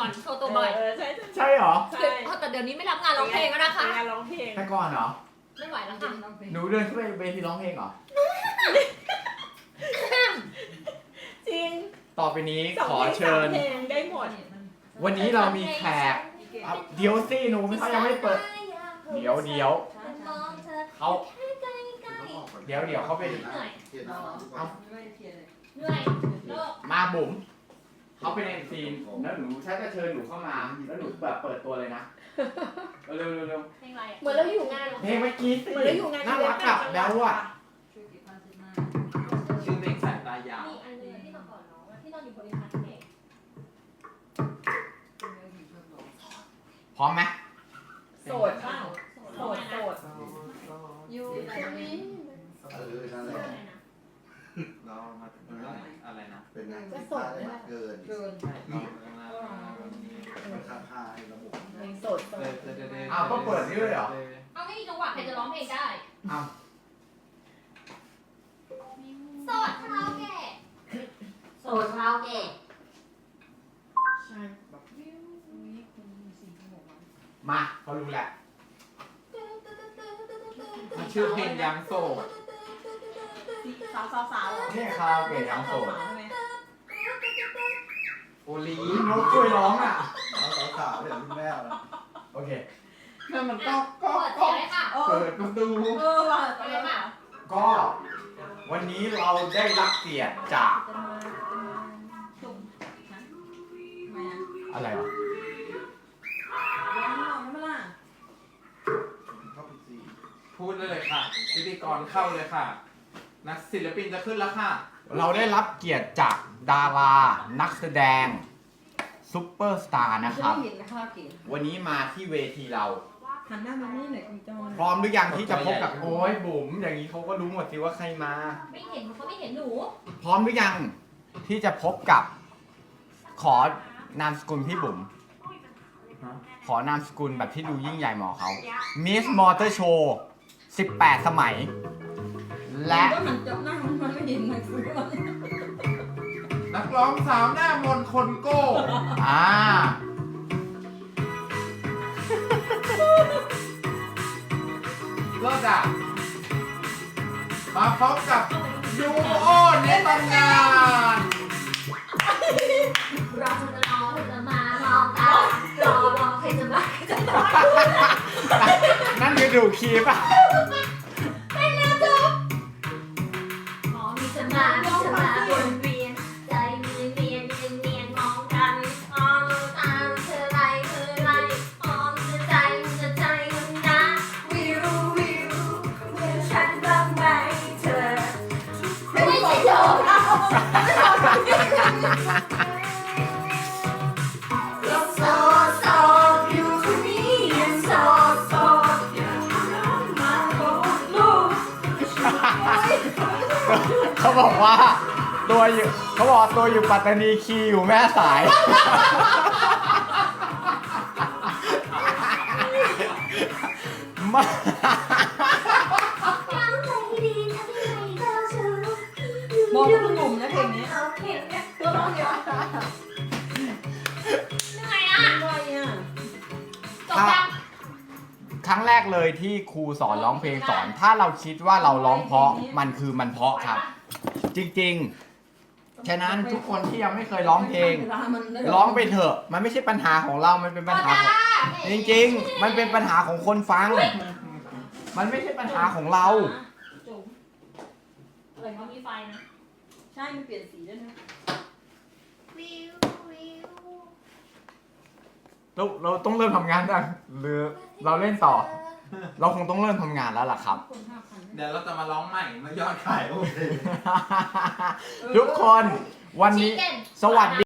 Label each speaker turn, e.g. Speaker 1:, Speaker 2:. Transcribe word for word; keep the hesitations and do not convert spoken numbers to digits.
Speaker 1: อนโชว์ตัวบ่อย
Speaker 2: เออใช่
Speaker 3: ใช่เหรอ
Speaker 2: ใช่
Speaker 1: แต่เดี๋ยวนี้ไม่รับงานร้องเพลงแล้วนะคะ
Speaker 2: งานร้องเพลง
Speaker 3: แต่ก่อนเหรอ
Speaker 1: ไม่ไหวแล้วค่ะ
Speaker 3: หนูเดินขึ้นไปเวทีร้องเพลงเหรอ
Speaker 2: จริง
Speaker 3: ต่อไปนี้
Speaker 2: สอง
Speaker 3: ขอ
Speaker 2: เพลง
Speaker 3: เชิญ
Speaker 2: สามเพลงได้หมด
Speaker 3: วันนี้เรามีแขกอ่ะเดี๋ยวสิหนูเขายังไม่เปิด เดี๋ยวเดี๋ยวเขาเดี๋ยวเดี๋ยวเขาไป
Speaker 1: เหนื่อย
Speaker 3: เอา
Speaker 1: เหนื่อยเลิก
Speaker 3: มาบุ๋มเขาไปในซีนแล้วหนูฉันจะเชิญหนูเข้ามาแล้วหนูแบบเปิดตัวเลยนะเร็วเร็วเร็ว
Speaker 1: เพลงอะไรอ่ะ
Speaker 2: เหมือนเราอยู่งาน
Speaker 3: เพลงเมื่อกี้สิ
Speaker 2: เหมือนเราอยู่งาน
Speaker 3: น่ารักกับแล้วอ่ะ
Speaker 4: ชื่อเพลงสายตายาว
Speaker 1: มีอันนึงที่มาก่อนน้องที่นอนอยู่บริษัทเอง
Speaker 3: พร้อมไหม
Speaker 2: โสดเปล่าโสดโสด
Speaker 1: อยู่ไหนนี่
Speaker 5: เออนั่นแหละ
Speaker 4: เรามาถึงอะไรนะ
Speaker 5: เป็นไงที่พลาดเลยเกิน
Speaker 2: เกิน
Speaker 5: มันค่าค่าให้ระบบ
Speaker 2: เพลงโสดโสด
Speaker 3: อ้าวต้องเปิดนี่ด้วยเหรอ
Speaker 1: เอาไม่มีจังหวะใครจะร้องเพลงได้
Speaker 3: อ้าว
Speaker 1: โสดคาราโอเกะโสดคาราโอเกะ
Speaker 2: ใช่แบบ
Speaker 3: มาเขารู้แหละ
Speaker 4: มันชื่อเพลงยังโสด
Speaker 2: สาวสาวสาวเหรอ
Speaker 3: เนี่ยคาราโอเกะยังโสด
Speaker 2: ใช่ไหม
Speaker 4: โอลี
Speaker 3: นกช่วยร้องอ่ะ
Speaker 5: เอาสาวสาวๆเนี่ยรุ่นแม่เรา
Speaker 3: โอเค
Speaker 4: นั่นมันก็ก็
Speaker 1: เปิดเสียงเลยค่ะ
Speaker 2: เอ
Speaker 4: เปิ
Speaker 2: อ
Speaker 4: ดประตู
Speaker 2: เออว่ะ
Speaker 1: ไปเลยค่ะ
Speaker 3: ก็วันนี้เราได้รับเกียรติจาก
Speaker 2: จะมาจะมาจุ่มนะทำไมอ่ะ
Speaker 3: อะไรวะ
Speaker 2: ร้องหน่อยไม่ล่ะ
Speaker 5: เข้าไปสี่
Speaker 4: พูดเลยค่ะพิธีกรเข้าเลยค่ะ นักศิลปินจะขึ้นแล้วค่ะ
Speaker 3: เราได้รับเกียรติจากดารา นักแสดงซุปเปอร์สตาร์นะครับ
Speaker 2: ไม่เห็นนะครับเก๋
Speaker 3: วันนี้มาที่เวทีเรา
Speaker 2: หันหน้ามานี่หน่อยคุณจอน
Speaker 3: พร้อมหรือยังที่จะพบกับโอ้ยบุ๋มอย่างนี้เขาก็รู้หมดสิว่าใครมา
Speaker 1: ไม่เห็นเขาไม่เห็นหนู
Speaker 3: พร้อมหรือยังที่จะพบกับ ขอนามสกุลพี่บุ๋ม
Speaker 4: ฮะ
Speaker 3: ขอนามสกุลแบบที่ดูยิ่งใหญ่หมอเขา Miss Motor Show สิบแปด สมัย และ
Speaker 2: ก็หันจับหน้ามันมันไม่เห็นหนังสือมัน
Speaker 4: นักร้องสาวหน้ามนต์คนโก้
Speaker 3: อ่า
Speaker 4: เลิศอ่ะมาพบกับยูโอในตำนาน
Speaker 1: เราจะรอให้จะมามองตารอรอใครจะมาใครจะมา
Speaker 3: นั่นคือดูคีป่ะ
Speaker 1: เป็นแล้วจบมองมีจะมามีจะมาวนเวียนใจมีเวียนเวียนเวียนมองกันมองตามเธอไรเธอไรมองจะใจจะใจมันนะวิววิวเหมือนฉันบ้างไหมเธอไม่ใช่โจรเอาโซโซอยู่ตรงนี้ยังโซโซมาโอ้ลูก
Speaker 3: เขาบอกว่าตัวอยู่เขาบอกตัวอยู่ปัตตานีคีย์อยู่แม่สาย มา
Speaker 2: มองคุณหนุ่มนะเพลงนี้
Speaker 1: เอาเพลงเนี่ย
Speaker 2: ตัวร้องเดียว
Speaker 1: เหนื่อยอ่ะ
Speaker 2: ด้วยอ่ะ
Speaker 1: จบยัง
Speaker 3: ครั้งแรกเลยที่ครูสอนร้องเพลงสอน ถ้าเราคิดว่าเราร้องเพราะมันคือมันเพราะครับ จริงๆ ฉะนั้นทุกคนที่ยังไม่เคยร้องเพลง ร้องไปเถอะ มันไม่ใช่ปัญหาของเรา มันเป็นปัญหาของจริงๆ มันเป็นปัญหาของคนฟัง มันไม่ใช่ปัญหาของเรา
Speaker 1: จุ๋มเออเขามีไฟนะ
Speaker 2: ใช่มันเปลี่ยนสีด้วยนะ
Speaker 1: วิววิว
Speaker 3: เราเราต้องเริ่มทำงานยังหรือเราเล่นต่อ เราคงต้องเริ่มทำงานแล้วล่ะครับ
Speaker 2: คนห้าพัน
Speaker 4: เดี๋ยวเราจะมาร้องใหม่เมื่อยอดขายโอเค
Speaker 3: ทุกคนวันนี้
Speaker 1: Chicken
Speaker 3: สวัสดี